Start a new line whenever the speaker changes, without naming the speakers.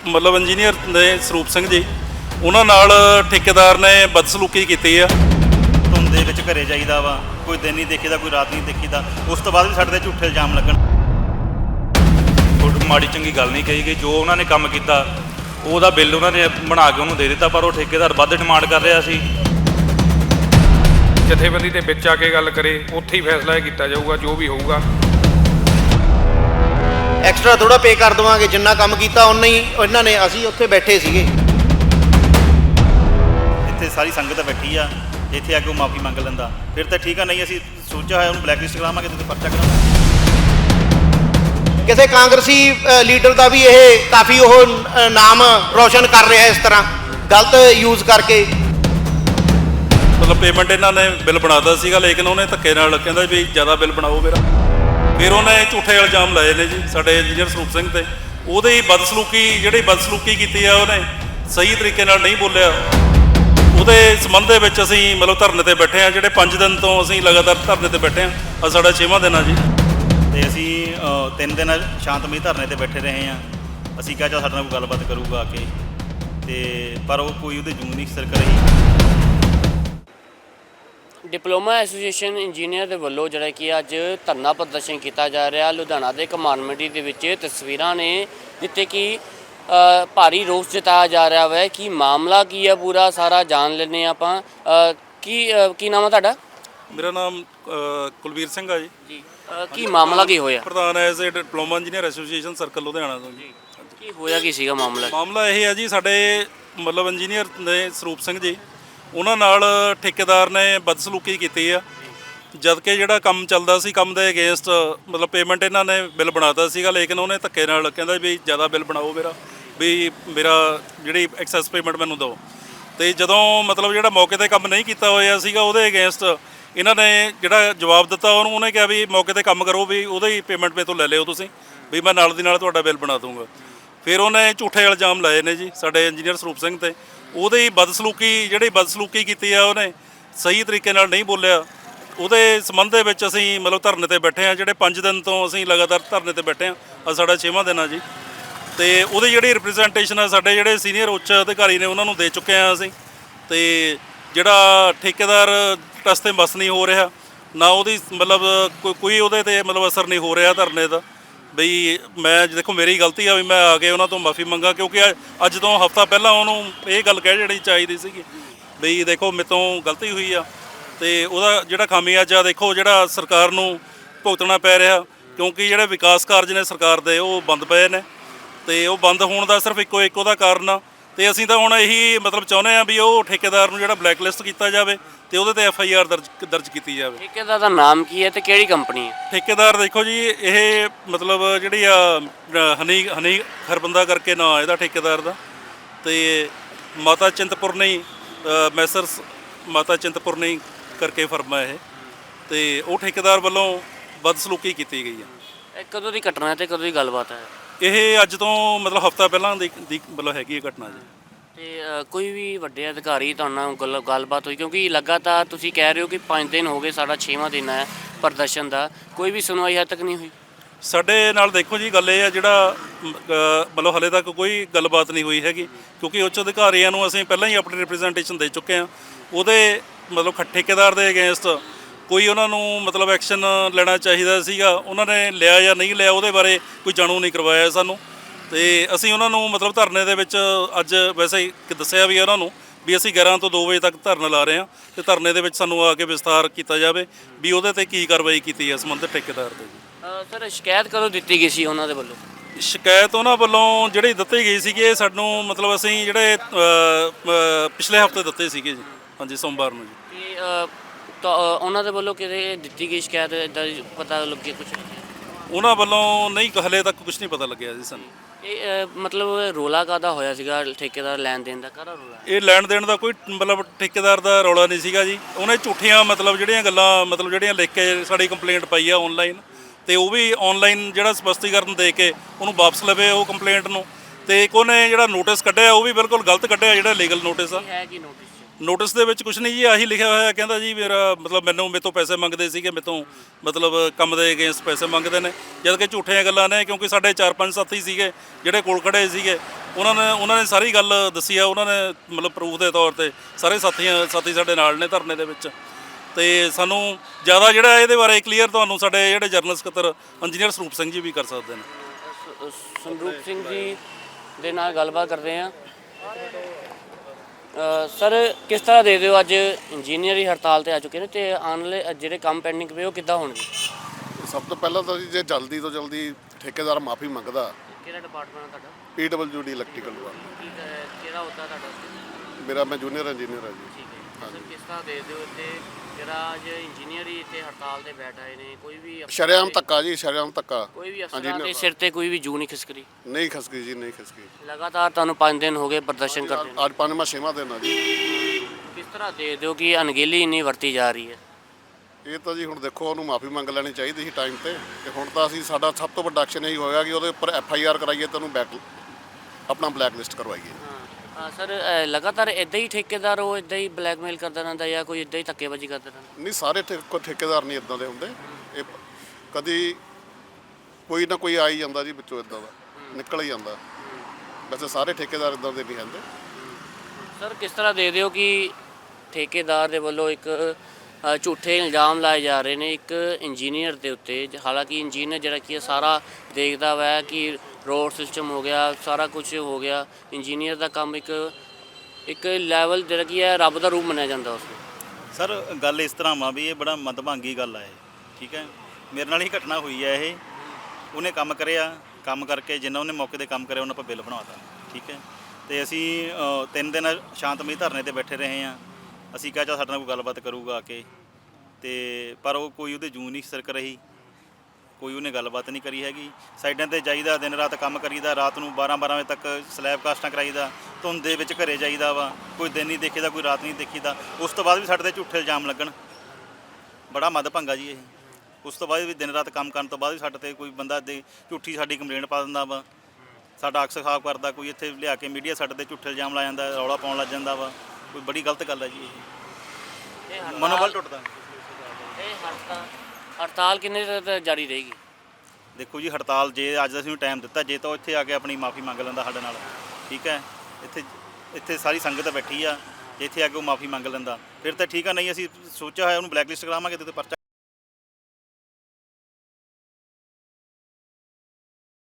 मतलब इंजीनियर ने ਸਰੂਪ ਸਿੰਘ ਜੀ ਉਹਨਾਂ ਨਾਲ ਠੇਕੇਦਾਰ ਨੇ ਬਦਸਲੂਕੀ ਕੀਤੀ ਆ।
ਧੁੰਦ ਦੇ ਵਿੱਚ ਘਰੇ ਜਾਈਦਾ ਵਾ, ਕੋਈ ਦਿਨ ਨਹੀਂ ਦੇਖੀਦਾ, ਕੋਈ ਰਾਤ ਨਹੀਂ ਦੇਖੀਦਾ। ਉਸ ਤੋਂ ਬਾਅਦ ਵੀ ਸਾਡੇ ਤੇ ਝੂਠੇ ਇਲਜ਼ਾਮ ਲੱਗਣ।
ਕੋਈ ਮਾੜੀ ਚੰਗੀ ਗੱਲ ਨਹੀਂ ਕਹੀ ਗਈ। ਜੋ ਉਹਨਾਂ ਨੇ ਕੰਮ ਕੀਤਾ ਉਹਦਾ ਬਿੱਲ ਉਹਨਾਂ ਨੇ ਬਣਾ ਕੇ ਉਹਨੂੰ ਦੇ ਦਿੱਤਾ, ਪਰ ਉਹ ਠੇਕੇਦਾਰ ਵੱਧ ਡਿਮਾਂਡ ਕਰ ਰਿਹਾ ਸੀ।
ਜਥੇਬੰਦੀ ਦੇ ਵਿੱਚ ਆ ਕੇ ਗੱਲ ਕਰੇ, ਉੱਥੇ ਹੀ ਫੈਸਲਾ ਕੀਤਾ ਜਾਊਗਾ ਜੋ ਵੀ ਹੋਊਗਾ।
ਐਕਸਟਰਾ ਥੋੜਾ ਪੇ ਕਰ ਦੇਵਾਂਗੇ, ਜਿੰਨਾ ਕੰਮ ਕੀਤਾ ਉਨਾ ਹੀ ਇਹਨਾਂ ਨੇ। ਅਸੀਂ ਉੱਥੇ ਬੈਠੇ ਸੀਗੇ।
ਇੱਥੇ ਸਾਰੀ ਸੰਗਤ ਬੈਠੀ ਆ, ਇੱਥੇ ਆ ਕੇ ਉਹ ਮਾਫੀ ਮੰਗ ਲੈਂਦਾ ਫਿਰ ਤਾਂ ਠੀਕ ਆ, ਨਹੀਂ ਅਸੀਂ ਸੋਚਿਆ ਹੋਇਆ ਉਹਨੂੰ ਬਲੈਕ ਲਿਸਟ ਕਰਾਵਾਂਗੇ ਤੇ ਪਰਚਾ ਕਰਾਵਾਂਗੇ।
ਕਿਸੇ ਕਾਂਗਰਸੀ ਲੀਡਰ ਦਾ ਵੀ ਇਹ ਕਾਫੀ ਉਹ ਨਾਮ ਰੋਸ਼ਨ ਕਰ ਰਿਹਾ ਇਸ ਤਰ੍ਹਾਂ ਗਲਤ ਯੂਜ਼ ਕਰਕੇ।
ਮਤਲਬ ਪੇਮੈਂਟ ਇਹਨਾਂ ਨੇ ਬਿੱਲ ਬਣਾਤਾ ਸੀਗਾ, ਲੇਕਿਨ ਉਹਨੇ ਧੱਕੇ ਨਾਲ ਕਹਿੰਦਾ ਵੀ ਜ਼ਿਆਦਾ ਬਿੱਲ ਬਣਾਓ ਮੇਰਾ। ਫਿਰ ਉਹਨੇ ਝੂਠੇ ਇਲਜ਼ਾਮ ਲਾਏ ਨੇ ਜੀ ਸਾਡੇ ਇੰਜੀਨੀਅਰ ਸਰੂਪ ਸਿੰਘ ਤੇ। ਉਹਦੇ ਜਿਹੜੀ ਬਦਸਲੂਕੀ ਕੀਤੀ ਆ, ਉਹਨੇ ਸਹੀ ਤਰੀਕੇ ਨਾਲ ਨਹੀਂ ਬੋਲਿਆ। ਉਹਦੇ ਸੰਬੰਧ ਦੇ ਵਿੱਚ ਅਸੀਂ ਮਤਲਬ ਧਰਨੇ ਤੇ ਬੈਠੇ ਹਾਂ, ਜਿਹੜੇ 5 ਦਿਨ ਤੋਂ ਅਸੀਂ ਲਗਾਤਾਰ ਧਰਨੇ ਤੇ ਬੈਠੇ ਹਾਂ। ਅੱਜ ਸਾਡਾ 6ਵਾਂ ਦਿਨ ਆ ਜੀ।
ਤੇ ਅਸੀਂ 3 ਦਿਨ ਸ਼ਾਂਤਮਈ ਧਰਨੇ ਤੇ ਬੈਠੇ ਰਹੇ ਹਾਂ। ਅਸੀਂ ਕਿਹਾ ਚਾ ਸਾਡੇ ਨਾਲ ਕੋਈ ਗੱਲਬਾਤ ਕਰੂਗਾ ਆ ਕੇ, ਤੇ ਪਰ ਉਹ ਕੋਈ ਉਹਦੇ ਜੂੰ ਨਹੀਂ ਸਿਰ ਰਹੀ।
ਡਿਪਲੋਮਾ ਐਸੋਸੀਏਸ਼ਨ ਇੰਜੀਨੀਅਰ ਦੇ ਵੱਲੋਂ ਜਿਹੜਾ ਕਿ ਅੱਜ ਧਰਨਾ ਪ੍ਰਦਰਸ਼ਨ ਕੀਤਾ ਜਾ ਰਿਹਾ ਲੁਧਿਆਣਾ ਦੇ ਕਮਾਨ ਮੰਡੀ ਦੇ ਵਿੱਚ। ਤਸਵੀਰਾਂ ਨੇ ਜਿੱਥੇ ਕਿ ਭਾਰੀ ਰੋਸ ਜਤਾਇਆ ਜਾ ਰਿਹਾ ਹੈ। ਕੀ ਮਾਮਲਾ ਕੀ ਹੈ ਪੂਰਾ ਸਾਰਾ ਜਾਣ ਲੈਂਦੇ ਆਪਾਂ। ਕੀ ਨਾਮ ਹੈ ਤੁਹਾਡਾ?
ਮੇਰਾ ਨਾਮ ਕੁਲਵੀਰ ਸਿੰਘ ਆ ਜੀ।
ਜੀ ਕੀ ਮਾਮਲਾ ਕੀ ਹੋਇਆ?
ਪ੍ਰਧਾਨ as a diploma engineer association circle Ludhiana ਤੋਂ ਜੀ।
ਕੀ ਹੋਇਆ ਕੀ ਸੀਗਾ ਮਾਮਲਾ?
ਮਾਮਲਾ ਇਹ ਹੈ ਜੀ, ਸਾਡੇ ਮਤਲਬ ਇੰਜੀਨੀਅਰ ਨੇ ਸਰੂਪ ਸਿੰਘ ਜੀ ਉਹਨਾਂ ਨਾਲ ਠੇਕੇਦਾਰ ਨੇ ਬਦਸਲੂਕੀ ਕੀਤੀ ਆ। ਜਦ ਕਿ ਜਿਹੜਾ ਕੰਮ ਚੱਲਦਾ ਸੀ, ਕੰਮ ਦੇ ਅਗੇਂਸਟ ਮਤਲਬ ਪੇਮੈਂਟ ਇਹਨਾਂ ਨੇ ਬਿੱਲ ਬਣਾਤਾ ਸੀਗਾ, ਲੇਕਿਨ ਉਹਨੇ ਧੱਕੇ ਨਾਲ ਕਹਿੰਦਾ ਵੀ ਜ਼ਿਆਦਾ ਬਿੱਲ ਬਣਾਓ ਮੇਰਾ, ਵੀ ਮੇਰਾ ਜਿਹੜੀ ਐਕਸੈਸ ਪੇਮੈਂਟ ਮੈਨੂੰ ਦਿਓ। ਤੇ ਜਦੋਂ ਮਤਲਬ ਜਿਹੜਾ ਮੌਕੇ 'ਤੇ ਕੰਮ ਨਹੀਂ ਕੀਤਾ ਹੋਇਆ ਸੀਗਾ, ਉਹਦੇ ਅਗੇਂਸਟ ਇਹਨਾਂ ਨੇ ਜਿਹੜਾ ਜਵਾਬ ਦਿੱਤਾ ਉਹਨੇ ਕਿਹਾ ਵੀ ਮੌਕੇ 'ਤੇ ਕੰਮ ਕਰੋ, ਵੀ ਉਹਦੇ ਹੀ ਪੇਮੈਂਟ ਮੇਰੇ ਤੋਂ ਲੈ ਲਿਓ ਤੁਸੀਂ, ਵੀ ਮੈਂ ਨਾਲ ਦੀ ਨਾਲ ਤੁਹਾਡਾ ਬਿੱਲ ਬਣਾ ਦੂੰਗਾ। ਫਿਰ ਉਹਨੇ ਝੂਠੇ ਇਲਜ਼ਾਮ ਲਾਏ ਨੇ ਜੀ ਸਾਡੇ ਇੰਜੀਨੀਅਰ ਸਰੂਪ ਸਿੰਘ ਤੇ। ਉਹਦੇ ਹੀ ਜਿਹੜੀ ਬਦਸਲੂਕੀ ਕੀਤੀ ਆ, ਉਹਨੇ ਸਹੀ ਤਰੀਕੇ ਨਾਲ ਨਹੀਂ ਬੋਲਿਆ। ਉਹਦੇ ਸੰਬੰਧ ਦੇ ਵਿੱਚ ਅਸੀਂ ਮਤਲਬ ਧਰਨੇ ਤੇ ਬੈਠੇ ਹਾਂ, ਜਿਹੜੇ 5 ਦਿਨ ਤੋਂ ਅਸੀਂ ਲਗਾਤਾਰ ਧਰਨੇ ਤੇ ਬੈਠੇ ਹਾਂ। ਅੱਜ ਸਾਡਾ 6ਵਾਂ ਦਿਨ ਆ ਜੀ। ਤੇ ਉਹਦੀ ਜਿਹੜੀ ਰਿਪਰੈਜ਼ੈਂਟੇਸ਼ਨ ਆ ਸਾਡੇ ਜਿਹੜੇ ਸੀਨੀਅਰ ਉੱਚ ਅਧਿਕਾਰੀ ਨੇ ਉਹਨਾਂ ਨੂੰ ਦੇ ਚੁੱਕੇ ਹਾਂ ਅਸੀਂ। ਤੇ ਜਿਹੜਾ ਠੇਕੇਦਾਰ ਟਰੱਸਟ 'ਤੇ ਬਸ ਨਹੀਂ ਹੋ ਰਿਹਾ, ਨਾ ਉਹਦੀ ਮਤਲਬ ਕੋਈ ਉਹਦੇ 'ਤੇ ਮਤਲਬ ਅਸਰ ਨਹੀਂ ਹੋ ਰਿਹਾ ਧਰਨੇ ਦਾ। ਬਈ ਮੈਂ ਦੇਖੋ ਮੇਰੀ ਗਲਤੀ ਆ ਵੀ ਮੈਂ ਆ ਕੇ ਉਹਨਾਂ ਤੋਂ ਮਾਫੀ ਮੰਗਾ, ਕਿਉਂਕਿ ਅੱਜ ਤੋਂ ਹਫ਼ਤਾ ਪਹਿਲਾਂ ਉਹਨੂੰ ਇਹ ਗੱਲ ਕਹਿ ਜਿਹੜੀ ਚਾਹੀਦੀ ਸੀਗੀ ਬਈ ਦੇਖੋ ਮੇਰੇ ਤੋਂ ਗਲਤੀ ਹੋਈ ਆ। ਤੇ ਉਹਦਾ ਜਿਹੜਾ ਖਾਮਿਆਜ਼ਾ ਦੇਖੋ ਜਿਹੜਾ ਸਰਕਾਰ ਨੂੰ ਭੁਗਤਣਾ ਪੈ ਰਿਹਾ, ਕਿਉਂਕਿ ਜਿਹੜੇ ਵਿਕਾਸ ਕਾਰਜ ਨੇ ਸਰਕਾਰ ਦੇ ਉਹ ਬੰਦ ਪਏ ਨੇ। ਤੇ ਉਹ ਬੰਦ ਹੋਣ ਦਾ ਸਿਰਫ ਇੱਕੋ ਉਹਦਾ ਕਾਰਨ ਆ। ਤੇ ਅਸੀਂ ਤਾਂ ਹੁਣ ਇਹੀ ਮਤਲਬ ਚਾਹੁੰਦੇ ਹਾਂ ਵੀ ਉਹ ਠੇਕੇਦਾਰ ਨੂੰ ਜਿਹੜਾ ਬਲੈਕ ਲਿਸਟ ਕੀਤਾ ਜਾਵੇ ਤੇ ਉਹਦੇ ਤੇ FIR ਦਰਜ ਕੀਤੀ ਜਾਵੇ।
ਠੇਕੇਦਾਰ ਦਾ ਨਾਮ ਕੀ ਹੈ ਤੇ ਕਿਹੜੀ ਕੰਪਨੀ ਹੈ?
ਠੇਕੇਦਾਰ ਦੇਖੋ ਜੀ, ਇਹ ਮਤਲਬ ਜਿਹੜੀ ਆ ਹਨੀ ਹਰਬੰਦਾ ਕਰਕੇ ਨਾਂ ਇਹਦਾ ਠੇਕੇਦਾਰ ਦਾ। ਤੇ ਮਾਤਾ ਚਿੰਤਪੁਰਨੀ ਮੈਸਰਸ ਮਾਤਾ ਚਿੰਤਪੁਰਨੀ ਕਰਕੇ ਫਰਮ ਹੈ ਇਹ। ਤੇ ਉਹ ਠੇਕੇਦਾਰ ਵੱਲੋਂ ਬਦਸਲੂਕੀ ਕੀਤੀ ਗਈ ਹੈ।
ਇਹ ਕਦੋਂ ਦੀ ਘਟਨਾ ਹੈ ਤੇ ਕਦੋਂ ਦੀ ਗੱਲਬਾਤ ਹੈ?
ਇਹ ਅੱਜ ਤੋਂ ਮਤਲਬ ਹਫ਼ਤਾ ਪਹਿਲਾਂ ਦੀ ਮਤਲਬ ਹੈਗੀ ਇਹ ਘਟਨਾ ਜੀ।
ਤੇ ਕੋਈ ਵੀ ਵੱਡੇ ਅਧਿਕਾਰੀ ਤੁਹਾਡੇ ਨਾਲ ਗੱਲਬਾਤ ਹੋਈ? ਕਿਉਂਕਿ ਲਗਾਤਾਰ ਤੁਸੀਂ ਕਹਿ ਰਹੇ ਹੋ ਕਿ 5 ਦਿਨ ਹੋ ਗਏ, ਸਾਡਾ 6ਵਾਂ ਦਿਨ ਹੈ ਪ੍ਰਦਰਸ਼ਨ ਦਾ, ਕੋਈ ਵੀ ਸੁਣਵਾਈ ਹਜੇ ਤੱਕ ਨਹੀਂ ਹੋਈ?
ਸਾਡੇ ਨਾਲ ਦੇਖੋ ਜੀ ਗੱਲ ਇਹ ਆ, ਜਿਹੜਾ ਮਤਲਬ ਹਲੇ ਤੱਕ ਕੋਈ ਗੱਲਬਾਤ ਨਹੀਂ ਹੋਈ ਹੈਗੀ, ਕਿਉਂਕਿ ਉੱਚ ਅਧਿਕਾਰੀਆਂ ਨੂੰ ਅਸੀਂ ਪਹਿਲਾਂ ਹੀ ਆਪਣੀ ਰਿਪਰੈਜ਼ੈਂਟੇਸ਼ਨ ਦੇ ਚੁੱਕੇ ਹਾਂ। ਉਹਦੇ ਮਤਲਬ ਠੇਕੇਦਾਰ ਦੇ ਅਗੇਂਸਟ ਕੋਈ ਉਹਨਾਂ ਨੂੰ ਮਤਲਬ ਐਕਸ਼ਨ ਲੈਣਾ ਚਾਹੀਦਾ ਸੀਗਾ, ਉਹਨਾਂ ਨੇ ਲਿਆ ਜਾਂ ਨਹੀਂ ਲਿਆ ਉਹਦੇ ਬਾਰੇ ਕੋਈ ਜਾਣੂ ਨਹੀਂ ਕਰਵਾਇਆ ਸਾਨੂੰ। ਤੇ ਅਸੀਂ ਉਹਨਾਂ ਨੂੰ ਮਤਲਬ ਧਰਨੇ ਦੇ ਵਿੱਚ ਅੱਜ ਵੈਸੇ ਹੀ ਦੱਸਿਆ ਵੀ ਉਹਨਾਂ ਨੂੰ ਵੀ ਅਸੀਂ 11 ਤੋਂ 2 ਵਜੇ ਤੱਕ ਧਰਨਾ ਲਾ ਰਹੇ ਹਾਂ, ਤੇ ਧਰਨੇ ਦੇ ਵਿੱਚ ਸਾਨੂੰ ਆ ਕੇ ਵਿਸਥਾਰ ਕੀਤਾ ਜਾਵੇ ਵੀ ਉਹਦੇ ਤੇ ਕੀ ਕਾਰਵਾਈ ਕੀਤੀ ਹੈ ਸੰਬੰਧਿਤ ਠੇਕੇਦਾਰ ਦੇ ਜੀ।
ਸਰ ਸ਼ਿਕਾਇਤ ਕਦੋਂ ਦਿੱਤੀ ਗਈ ਸੀ ਉਹਨਾਂ ਦੇ ਵੱਲੋਂ?
ਸ਼ਿਕਾਇਤ ਉਹਨਾਂ ਵੱਲੋਂ ਜਿਹੜੀ ਦਿੱਤੀ ਗਈ ਸੀਗੀ, ਇਹ ਸਾਨੂੰ ਮਤਲਬ ਅਸੀਂ ਜਿਹੜੇ ਪਿਛਲੇ ਹਫ਼ਤੇ ਦਿੱਤੇ ਸੀਗੇ ਜੀ। ਹਾਂਜੀ, ਸੋਮਵਾਰ ਨੂੰ ਜੀ।
ਤੇ ਤਾਂ ਉਹਨਾਂ ਦੇ ਵੱਲੋਂ ਕਿਤੇ ਦਿੱਤੀ ਗਈ ਸ਼ਿਕਾਇਤ ਇੱਦਾਂ ਪਤਾ ਲੱਗੇ ਕੁਝ?
ਉਹਨਾਂ ਵੱਲੋਂ ਨਹੀਂ, ਹਲੇ ਤੱਕ ਕੁਝ ਨਹੀਂ ਪਤਾ ਲੱਗਿਆ ਜੀ ਸਾਨੂੰ।
ਇਹ ਮਤਲਬ ਰੌਲਾ ਕਾਹਦਾ ਹੋਇਆ ਸੀਗਾ? ਠੇਕੇਦਾਰ ਲੈਣ ਦੇਣ ਦਾ ਕਾਹਦਾ ਰੌਲਾ?
ਇਹ ਲੈਣ ਦੇਣ ਦਾ ਕੋਈ ਮਤਲਬ ਠੇਕੇਦਾਰ ਦਾ ਰੌਲਾ ਨਹੀਂ ਸੀਗਾ ਜੀ। ਉਹਨੇ ਝੂਠੀਆਂ ਮਤਲਬ ਜਿਹੜੀਆਂ ਗੱਲਾਂ ਮਤਲਬ ਜਿਹੜੀਆਂ ਲਿਖ ਕੇ ਸਾਡੀ ਕੰਪਲੇਂਟ ਪਾਈ ਆ ਔਨਲਾਈਨ, ਤੇ ਉਹ ਵੀ ਔਨਲਾਈਨ ਜਿਹੜਾ ਸਪਸ਼ਟੀਕਰਨ ਦੇ ਕੇ ਉਹਨੂੰ ਵਾਪਸ ਲਵੇ ਉਹ ਕੰਪਲੇਂਟ ਨੂੰ। ਤੇ ਇੱਕ ਉਹਨੇ ਜਿਹੜਾ ਨੋਟਿਸ ਕੱਢਿਆ ਉਹ ਵੀ ਬਿਲਕੁਲ ਗਲਤ ਕੱਢਿਆ, ਜਿਹੜਾ ਲੀਗਲ ਨੋਟਿਸ ਆ।
ਹੈ ਕੀ ਨੋਟਿਸ?
ਨੋਟਿਸ ਦੇ ਵਿੱਚ ਕੁਝ ਨਹੀਂ ਜੀ, ਆਹੀ ਲਿਖਿਆ ਹੋਇਆ ਕਹਿੰਦਾ ਜੀ ਮੇਰਾ ਮਤਲਬ ਮੇਰੇ ਤੋਂ ਪੈਸੇ ਮੰਗਦੇ ਸੀਗੇ, ਮੇਰੇ ਤੋਂ ਮਤਲਬ ਕੰਮ ਦੇ ਅਗੇਂਸਟ ਪੈਸੇ ਮੰਗਦੇ ਨੇ, ਜਦ ਕਿ ਝੂਠੀਆਂ ਗੱਲਾਂ ਨੇ। ਕਿਉਂਕਿ ਸਾਡੇ 4-5 ਸਾਥੀ ਸੀਗੇ ਜਿਹੜੇ ਕੋਲ ਖੜੇ ਸੀਗੇ, ਉਹਨਾਂ ਨੇ ਸਾਰੀ ਗੱਲ ਦੱਸੀ ਆ, ਉਹਨਾਂ ਨੇ ਮਤਲਬ ਪ੍ਰੂਫ ਦੇ ਤੌਰ ਤੇ ਸਾਰੇ ਸਾਥੀ ਸਾਡੇ ਨਾਲ ਨੇ ਧਰਨੇ ਦੇ ਵਿੱਚ। ਤੇ ਸਾਨੂੰ ਜ਼ਿਆਦਾ ਜਿਹੜਾ ਇਹਦੇ ਬਾਰੇ ਕਲੀਅਰ ਤੁਹਾਨੂੰ ਸਾਡੇ ਜਿਹੜੇ ਜਰਨਲ ਸਕੱਤਰ ਇੰਜੀਨੀਅਰ ਸਰੂਪ ਸਿੰਘ ਜੀ ਵੀ ਕਰ ਸਕਦੇ ਨੇ।
ਸੰਰੂਪ ਸਿੰਘ ਜੀ ਦੇ ਨਾਲ ਗੱਲਬਾਤ ਕਰਦੇ ਹਾਂ। ਸਰ, ਕਿਸ ਤਰ੍ਹਾਂ ਦੇ ਦਿਓ ਅੱਜ ਇੰਜੀਨੀਅਰ ਹੀ ਹੜਤਾਲ ਤੇ ਆ ਚੁੱਕੇ ਨੇ, ਤੇ ਆਉਣ ਵਾਲੇ ਜਿਹੜੇ ਕੰਮ ਪੈਂਡਿੰਗ ਪਏ ਉਹ ਕਿੱਦਾਂ ਹੋਣਗੇ?
ਸਭ ਤੋਂ ਪਹਿਲਾਂ ਤਾਂ ਜੀ ਜੇ ਜਲਦੀ ਤੋਂ ਜਲਦੀ ਠੇਕੇਦਾਰ ਮਾਫੀ ਮੰਗਦਾ।
ਕਿਹੜਾ ਡਿਪਾਰਟਮੈਂਟ ਹੈ ਤੁਹਾਡਾ?
PWD ਇਲੈਕਟ੍ਰੀਕਲ ਵਾਲਾ
ਕਿਹੜਾ ਹੁੰਦਾ ਤੁਹਾਡਾ?
ਮੇਰਾ ਮੈਂ ਜੂਨੀਅਰ ਇੰਜੀਨੀਅਰ ਹਾਂ ਜੀ।
ਠੀਕ ਹੈ ਸਰ, ਕਿਸ ਤਰ੍ਹਾਂ ਦੇ ਦਿਓ ਤੇ ਜਿਹੜਾ ਅੱਜ ਇੰਜੀਨੀਅਰ ਹੀ ਇੱਥੇ ਹੜਤਾਲ ਤੇ ਬੈਠ ਆਏ ਨੇ, ਕੋਈ ਵੀ
ਸ਼ਰੇਆਮ ਧੱਕਾ ਜੀ, ਸ਼ਰੇਆਮ ਧੱਕਾ।
ਕੋਈ ਵੀ ਅਫਸਰਾਂ ਦੇ ਸਿਰ ਤੇ ਕੋਈ ਵੀ ਜੂ ਨਹੀਂ ਖਿਸਕਰੀ?
ਨਹੀਂ ਖਸਕੀ ਜੀ, ਨਹੀਂ ਖਸਕੀ।
ਲਗਾਤਾਰ ਤੁਹਾਨੂੰ 5 ਦਿਨ ਹੋ ਗਏ ਪ੍ਰਦਰਸ਼ਨ ਕਰਦੇ ਨੂੰ।
ਅੱਜ 5ਵਾਂ ਦਿਨ ਆ ਜੀ।
ਕਿਸ ਤਰ੍ਹਾਂ ਦੇ ਦਿਓ ਕਿ ਅਣਗਹਿਲੀ ਇੰਨੀ ਵਰਤੀ ਜਾ ਰਹੀ ਹੈ?
ਇਹ ਤਾਂ ਜੀ ਹੁਣ ਦੇਖੋ, ਉਹਨੂੰ ਮਾਫੀ ਮੰਗ ਲੈਣੀ ਚਾਹੀਦੀ ਸੀ ਟਾਈਮ ਤੇ ਹੁਣ ਤਾਂ ਅਸੀਂ ਸਾਡਾ ਸਭ ਤੋਂ ਵੱਡਾ ਐਕਸ਼ਨ ਇਹੀ ਹੋਇਆ ਕਿ ਉਹਦੇ ਉੱਪਰ FIR ਕਰਾਈਏ ਤੇ ਉਹਨੂੰ ਆਪਣਾ ਬਲੈਕ ਲਿਸਟ ਕਰਵਾਈਏ।
ਹਾਂ ਸਰ, ਲਗਾਤਾਰ ਇਦਾਂ ਹੀ ਠੇਕੇਦਾਰ ਉਹ ਇਦਾਂ ਹੀ ਬਲੈਕਮੇਲ ਕਰਦਾ ਰਹਿੰਦਾ ਜਾਂ ਕੋਈ ਇਦਾਂ ਹੀ ਧੱਕੇਬਾਜ਼ੀ ਕਰਦਾ ਰਹਿੰਦਾ?
ਨਹੀਂ, ਸਾਰੇ ਠੇਕੇਦਾਰ ਨਹੀਂ ਇਦਾਂ ਦੇ ਹੁੰਦੇ। ਇਹ ਕਦੀ ਕੋਈ ਨਾ ਕੋਈ ਆ ਹੀ ਜਾਂਦਾ ਜੀ ਵਿੱਚੋਂ, ਇਦਾਂ ਦਾ ਨਿਕਲ ਹੀ ਜਾਂਦਾ। ਵੈਸੇ ਸਾਰੇ ਠੇਕੇਦਾਰ ਇਦਾਂ ਦੇ ਨਹੀਂ ਹੁੰਦੇ।
ਸਰ, ਕਿਸ ਤਰ੍ਹਾਂ ਦੇ ਦਿਓ ਕਿ ਠੇਕੇਦਾਰ ਦੇ ਵੱਲੋਂ ਇੱਕ ਝੂਠੇ ਇਲਜ਼ਾਮ ਲਾਏ ਜਾ ਰਹੇ ਨੇ ਇੱਕ ਇੰਜੀਨੀਅਰ ਦੇ ਉੱਤੇ, ਹਾਲਾਂਕਿ ਇੰਜੀਨੀਅਰ ਜਿਹੜਾ ਕੀ ਸਾਰਾ ਦੇਖਦਾ ਵਾ ਕਿ ਰੋਡ ਸਿਸਟਮ ਹੋ ਗਿਆ, ਸਾਰਾ ਕੁਝ ਹੋ ਗਿਆ। ਇੰਜੀਨੀਅਰ ਦਾ ਕੰਮ ਇੱਕ ਲੈਵਲ ਜਿਹੜਾ ਕੀ ਹੈ ਰੱਬ ਦਾ ਰੂਪ ਮੰਨਿਆ ਜਾਂਦਾ ਉਸ ਨੂੰ।
ਸਰ, ਗੱਲ ਇਸ ਤਰ੍ਹਾਂ ਵਾ ਵੀ ਇਹ ਬੜਾ ਮੰਦਭਾਗੀ ਗੱਲ ਆ ਇਹ, ਠੀਕ ਹੈ। ਮੇਰੇ ਨਾਲ ਹੀ ਘਟਨਾ ਹੋਈ ਹੈ ਇਹ। ਉਹਨੇ ਕੰਮ ਕਰਿਆ, ਕੰਮ ਕਰਕੇ ਜਿੰਨਾ ਉਹਨੇ ਮੌਕੇ 'ਤੇ ਕੰਮ ਕਰਿਆ ਉਹਨਾਂ ਆਪਾਂ ਬਿੱਲ ਬਣਾਤਾ, ਠੀਕ ਹੈ। ਤੇ ਅਸੀਂ 3 ਦਿਨ ਸ਼ਾਂਤਮਈ ਧਰਨੇ 'ਤੇ ਬੈਠੇ ਰਹੇ ਹਾਂ। ਅਸੀਂ ਕਿਹਾ ਚਾ ਸਾਡੇ ਨਾਲ ਕੋਈ ਗੱਲਬਾਤ ਕਰੂਗਾ ਆ ਕੇ, ਤੇ ਪਰ ਉਹ ਕੋਈ ਉਹਦੇ ਜੂੰ ਨਹੀਂ ਸਰਕ ਰਹੀ, ਕੋਈ ਉਹਨੇ ਗੱਲਬਾਤ ਨਹੀਂ ਕਰੀ ਹੈਗੀ। ਸਾਈਡਾਂ 'ਤੇ ਜਾਈਦਾ, ਦਿਨ ਰਾਤ ਕੰਮ ਕਰੀਦਾ, ਰਾਤ ਨੂੰ 12-12 ਵਜੇ ਤੱਕ ਸਲੈਬ ਕਾਸਟਾਂ ਕਰਾਈਦਾ, ਧੁੰਦ ਦੇ ਵਿੱਚ ਘਰੇ ਜਾਈਦਾ ਵਾ, ਕੋਈ ਦਿਨ ਨਹੀਂ ਦੇਖੀਦਾ, ਕੋਈ ਰਾਤ ਨਹੀਂ ਦੇਖੀਦਾ। ਉਸ ਤੋਂ ਬਾਅਦ ਵੀ ਸਾਡੇ 'ਤੇ ਝੂਠੇ ਇਲਜ਼ਾਮ ਲੱਗਣ, ਬੜਾ ਮੱਧਭੰਗਾ ਜੀ ਇਹ। ਉਸ ਤੋਂ ਬਾਅਦ ਵੀ ਦਿਨ ਰਾਤ ਕੰਮ ਕਰਨ ਤੋਂ ਬਾਅਦ ਵੀ ਸਾਡੇ 'ਤੇ ਕੋਈ ਬੰਦਾ ਦੇ ਝੂਠੀ ਸਾਡੀ ਕੰਪਲੇਂਟ ਪਾ ਦਿੰਦਾ ਵਾ, ਸਾਡਾ ਅਕਸ ਖਾਬ ਕਰਦਾ, ਕੋਈ ਇੱਥੇ ਲਿਆ ਕੇ ਮੀਡੀਆ ਸਾਡੇ 'ਤੇ ਝੂਠੇ ਇਲਜ਼ਾਮ ਲਾ ਜਾਂਦਾ, ਰੌਲਾ ਪਾਉਣ ਲੱਗ ਜਾਂਦਾ ਵਾ। ਕੋਈ ਬੜੀ ਗਲਤ ਗੱਲ ਹੈ ਜੀ ਇਹ, ਮਨੋਬਲ ਟੁੱਟਦਾ।
ਇਹ ਹੜਤਾਲ ਕਿੰਨੇ ਦਿਨ ਤੱਕ ਜਾਰੀ ਰਹੇਗੀ?
ਦੇਖੋ ਜੀ, ਹੜਤਾਲ ਜੇ ਅੱਜ ਅਸੀਂ ਨੂੰ ਟਾਈਮ ਦਿੱਤਾ, ਜੇ ਤਾਂ ਇੱਥੇ ਆ ਕੇ ਆਪਣੀ ਮਾਫੀ ਮੰਗ ਲੈਂਦਾ ਸਾਡੇ ਨਾਲ, ਠੀਕ ਹੈ। ਇੱਥੇ ਸਾਰੀ ਸੰਗਤ ਬੈਠੀ ਆ, ਜੇ ਇੱਥੇ ਆ ਕੇ ਉਹ ਮਾਫੀ ਮੰਗ ਲੈਂਦਾ ਫਿਰ ਤਾਂ ਠੀਕ ਆ, ਨਹੀਂ ਅਸੀਂ ਸੋਚਿਆ ਹੋਇਆ ਉਹਨੂੰ ਬਲੈਕ ਲਿਸਟ ਕਰਾਵਾਂਗੇ ਤੇ ਪਰਚਾ